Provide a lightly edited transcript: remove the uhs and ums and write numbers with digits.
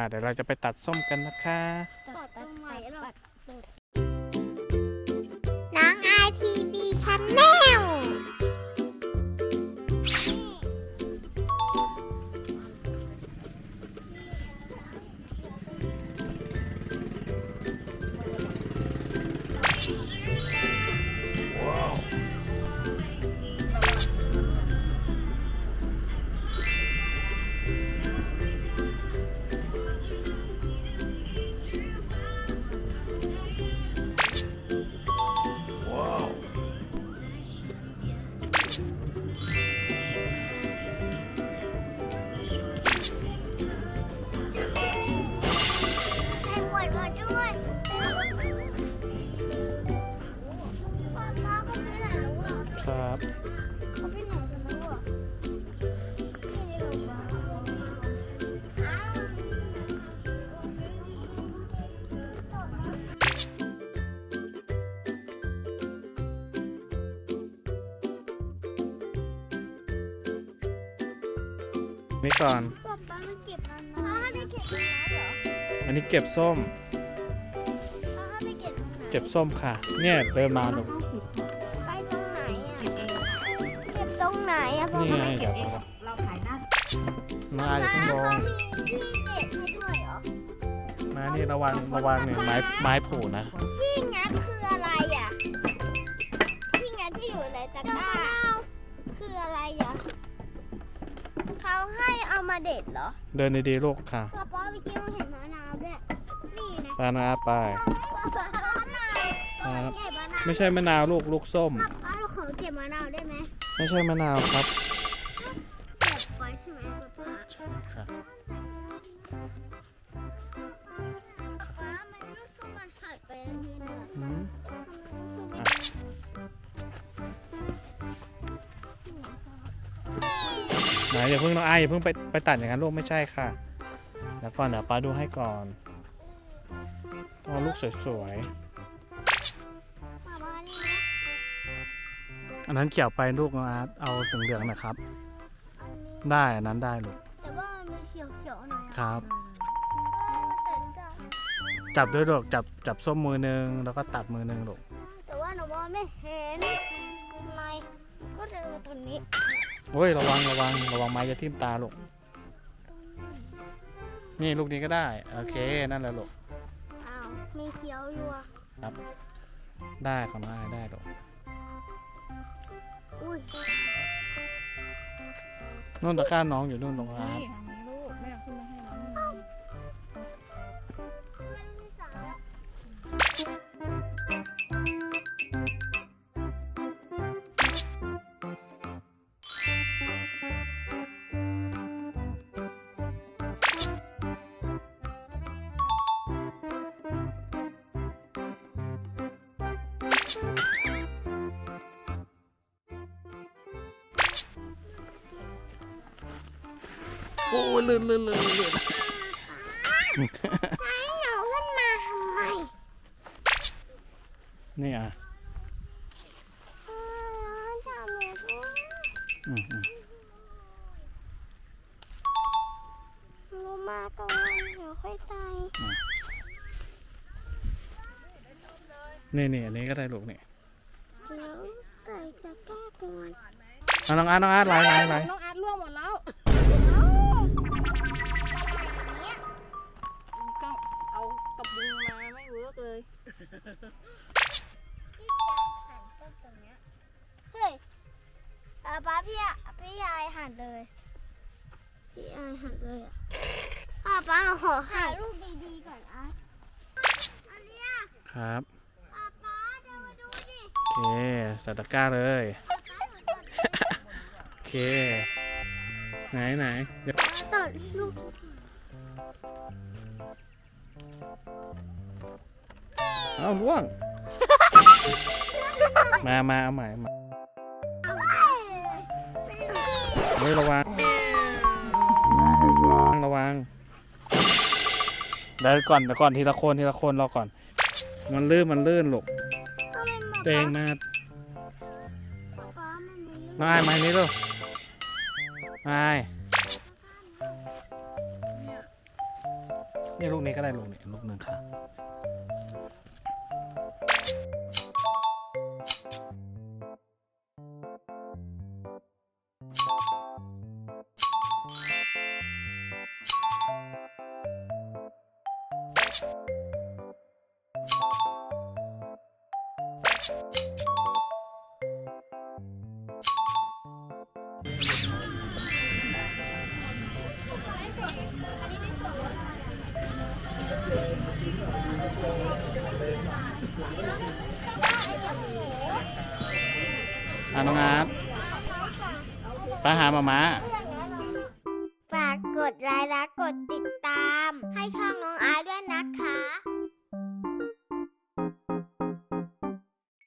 เดี๋ยวเราจะไปตัดส้มกันนะคะตัดตรงไหนหรอน้องไอทีบีชันแนลครับนี่ก่อนป๊าป๊ามันเก็บแล้วนะไม่เก็บแล้วเหรออันนี้เก็บส้มป๊าไม่เก็บเก็บส้มค่ะเนี่ยเดินมาหนูไปตรงไหนอ่ะเก็บตรงไหนอ่ะนี่ไงเดี๋ยวเราขายหน้ามาอย่าเพิ่งลงเขามีที่เด็ดให้ด้วยเหรอมานี่ระวังเนี่ยไม้ผูนะที่งัดคืออะไรอ่ะที่งัดที่อยู่ในตะกร้าคืออะไรอ่ะเขาให้เอามาเด็ดเหรอเดินดีๆลูกค่ะป๊าป๊าไปกินเห็นมะนาวด้วยนี่นะปานาไปป๊าป๊ามะนาวครับเก็บมะนาวไม่ใช่มะนาวลูกส้มป๊าเราขอเก็บมะนาวได้ไหมไม่ใช่มะนาวครับเก็บไว้ใช่ไหมป๊าใช่ค่ะป๊ามันลูกส้มมันหัดไปอันนี้นะอืมอ่ะไหนอย่าเพิ่งน้องไออย่าเพิ่งไปตัดอย่างนั้นลูกไม่ใช่ค่ะเดี๋ยวก่อนเดี๋ยวป้าดูให้ก่อนเอาลูกสวยป๊านี่นะๆอันนั้นเขียวไปลูกน้องอาร์ตเอาเหลืองๆนะครับอันนี้ได้อันนั้นได้ลูกแต่ว่ามันมีเขียวๆหน่อยครับแต่จะจับด้วยลูกจับส้มมือนึงแล้วก็ตัดมือนึงลูกแต่ว่าหนูมองไม่เห็นในก็เจอตัวนี้โอ้ยระวังไม้จะทิ่มตาลูกนี่ลูกนี้ก็ได้โอเคนั่นแหละลูกอ้าวมีเขียวอยู่อ่ะครับได้ของน้องไอได้ลูกอุ้ยนู่นตะกร้าน้องอยู่นู่นตรงอาร์ตนี่ทางนี้ลูกแม่เอาขึ้นมาให้น้องมันมีสารโอ้ยลื่นให้หนูขึ้นมาทำไมนี่อ่ะจับเลยด้วยอืมหนูมาก่อนเดี๋ยวค่อยใส่นี่อันนี้ก็ได้ลูกนี่เดี๋ยวใส่ตะกร้าก่อนเอาน้องอาร์ตไหลน้องอาร์ตล่วงหมดแล้วเอ้าก็เอากระบุงมาไม่เวิร์กเลยพี่จะหั่นต้นตรงเนี้ยเฮ้ยป๊าพี่ยายหั่นเลยพี่ยายหั่นเลยอ่ะป๊าขอหั่นรูปดีๆก่อนอ่ะอันเนี้ยครับป๊าเดี๋ยวมาดูดิโอเคใส่ตะกร้าเลยโอเคไหนเดี๋ยวตัดลูกเอาล่วงมาเอาใหม่มาเฮ้ยระวังเดี๋ยวก่อนทีละคนรอก่อนมันลื่นลูกตัวเองมาป๊ามันมีน้องไอ้ไม้นี้ลูกไอ้นี่ลูกนี้ก็ได้ลูกนี้ลูกหนึ่งค่ะ น้องอาร์ตไปหาหมาม้าฝากกดไลค์และกดติดตาม ให้ช่องน้องอาร์ตด้วยนะคะ